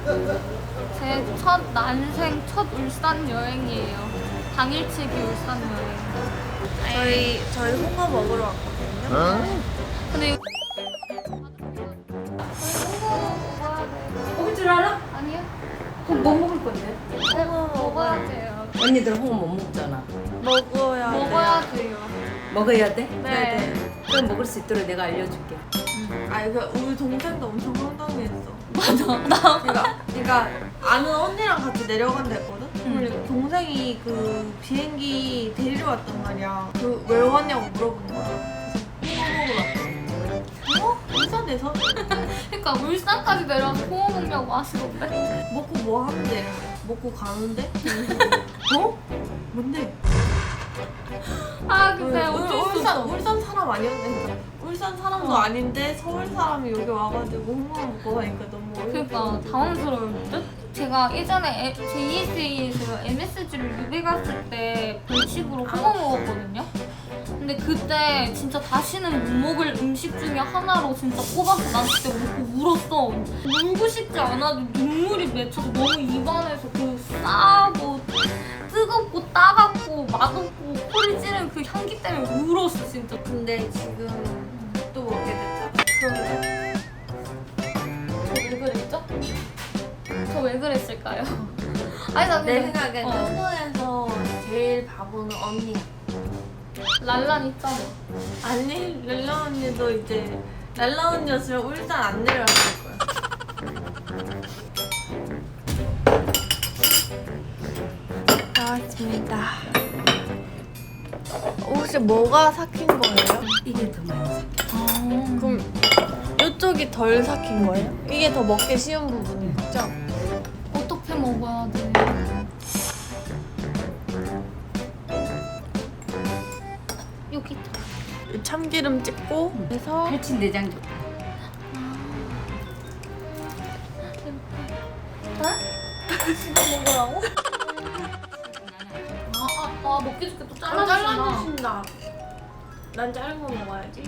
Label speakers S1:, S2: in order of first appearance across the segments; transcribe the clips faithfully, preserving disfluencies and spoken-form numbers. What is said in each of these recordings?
S1: 제 첫 난생 첫 울산 여행이에요. 당일치기 울산 여행.
S2: 저희 저희 홍어 먹으러 왔거든요.
S1: 근데 이거
S3: 먹을 줄 알아?
S1: 아니요?
S3: 그럼 뭐 먹을 건데?
S2: 홍어
S1: 먹어야
S2: 먹어야
S1: 돼요.
S3: 언니들 홍어 못 먹잖아.
S2: 먹어야 돼.
S1: 먹어야 돼요.
S3: 먹어야 돼?
S1: 네.
S3: 그럼 먹을 수 있도록 내가 알려줄게.
S2: 아니 그 우리 동생도 엄청 황당했어.
S1: 맞아. 나
S2: 그러니까 그러니까 아는 언니랑 같이 내려간다 했거든. 그리고 동생이 그 비행기 데리러 왔단 말이야. 그 왜 왔냐고 물어보는 거야. 그래서 홍어 먹으러 왔대. 어? 울산에서?
S1: 그러니까 울산까지 내려와서 홍어 먹냐고 하시던데.
S2: 먹고 뭐 하는데? 먹고 가는데? 어? 뭔데?
S1: 아 근데
S2: 울-
S1: 어쩔 수
S2: 울산
S1: 없어.
S2: 울산 사람 아니었는데 울산 사람도
S1: 어.
S2: 아닌데 서울 사람이 여기 와가지고 홍어 먹고 가니까 너무
S1: 그러니까
S2: 어이없어.
S1: 당황스러울 듯? 제가 예전에 제이에스에이에서 엠에스지를 유배 갔을 때 벌칙으로 홍어 먹었거든요? 근데 그때 진짜 다시는 못 먹을 음식 중에 하나로 진짜 꼽아서 난 그때 먹고 울었어. 울고 싶지 않아도 눈물이 맺혀서 너무 입안에서 그 싸고 뜨겁고 따갑고 맛없고 코를 찌르는 그 향기 때문에 울었어 진짜.
S2: 근데 지금 또 먹게 됐잖아.
S1: 그런데 저 왜 그랬죠? 저 왜 그랬을까요? 아니 나
S2: 내
S1: 근데
S2: 생각엔
S1: 어.
S2: 한국에서 제일 바보는 언니야.
S1: 랄란 있잖아.
S2: 아니 렐라 언니도 이제 랄라 언니였으면 울산 안 내려왔을 거야. 나왔습니다. 혹시 뭐가 삭힌 거예요?
S3: 이게 더 많이 삭혀.
S1: 아,
S2: 그럼 이쪽이 덜 삭힌 거예요? 이게 더 먹기 쉬운 부분이죠?
S1: 어떻게 먹어야 돼? 여기 있다.
S2: 참기름 찍고 해서
S3: 팔친 내장 좀.
S1: 이거 먹으라고? 아, 아, 아 먹기 좋게 또 잘라주시나?
S2: 잘라주신다. 난 자른 거 먹어야지.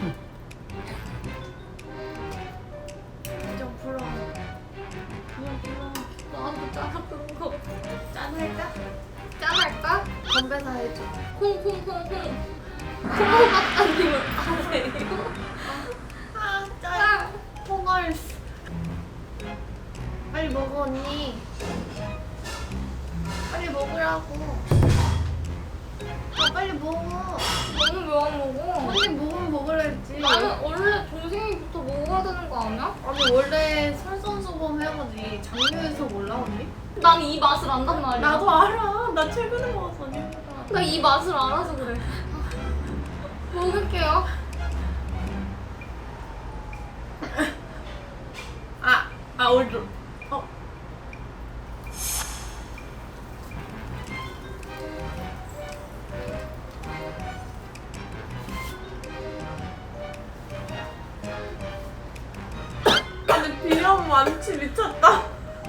S2: 좀 풀어. 그냥 풀어.
S1: 나한테 잘라주는 거
S2: 짠할까?
S1: 짠할까?
S2: 건배사 해줘.
S1: 콩콩콩콩 콩콩박사님을 아세요?
S2: 아, 짠. 콩얼. 빨리 먹어, 언니. 빨리 먹으라고. 아, 빨리 먹어.
S1: 너는 왜 안 먹어?
S2: 언니 먹으면 먹으라 했지.
S1: 나는 원래 동생이부터 먹어야 되는 거 아니야?
S2: 아니, 원래 설선수범 해야지. 장류에서 몰라, 언니?
S1: 난 이 맛을 안단 말이야.
S2: 나도 알아. 나 최근에 먹었어, 언니.
S1: 나 이 맛을 알아서 그래. 먹을게요.
S2: 아, 아, 오늘. 어. 근데 비염 많지 미쳤다.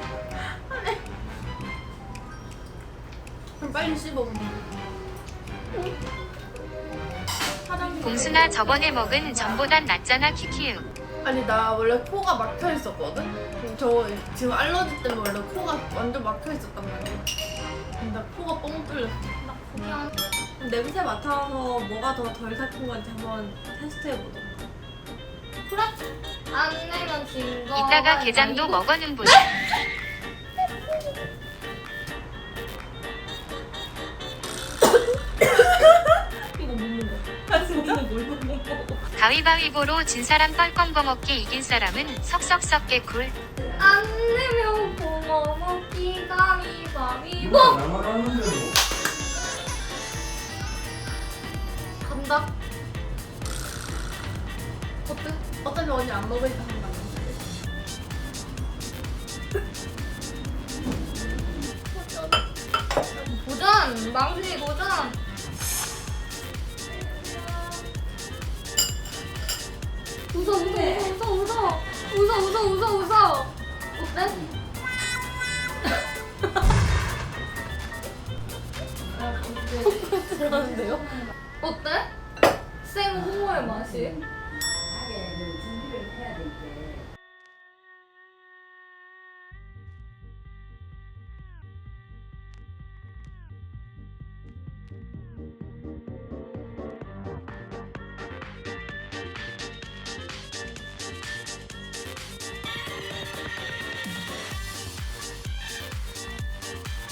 S2: 그럼 빨리 씹어. 사장님.
S4: 공순아 저번에 먹은 전보단 낫잖아 키키우.
S2: 아니 나 원래 코가 막혀 있었거든. 저 지금 알러지 때문에 원래 코가 완전 막혀 있었단 말이야. 근데 코가 뻥 뚫렸어.
S1: 나 그냥
S2: 냄새 맡아서 뭐가 더 덜 삭힌 건지 한번 테스트해보자.
S1: 그래? 안 내면 진 거.
S4: 이따가 게장도 먹어는 보자.
S1: 이거 못 먹어.
S2: 아 진짜?
S1: 이거 못 먹어.
S4: 가위바위보로 진 사람 뻘껌 거먹기 이긴 사람은 석석석 개꿀.
S1: 안 내면 고마 먹기 가위바위보. 간다. 어때?
S2: 어차피 언니 안 먹으니까 한다.
S1: 도전! 망신이 도전! 웃어 웃어 웃어 웃어 웃어 웃어 웃어 웃어 어때?
S2: 들어가는데요?
S1: 어때? 생 홍어의 맛이?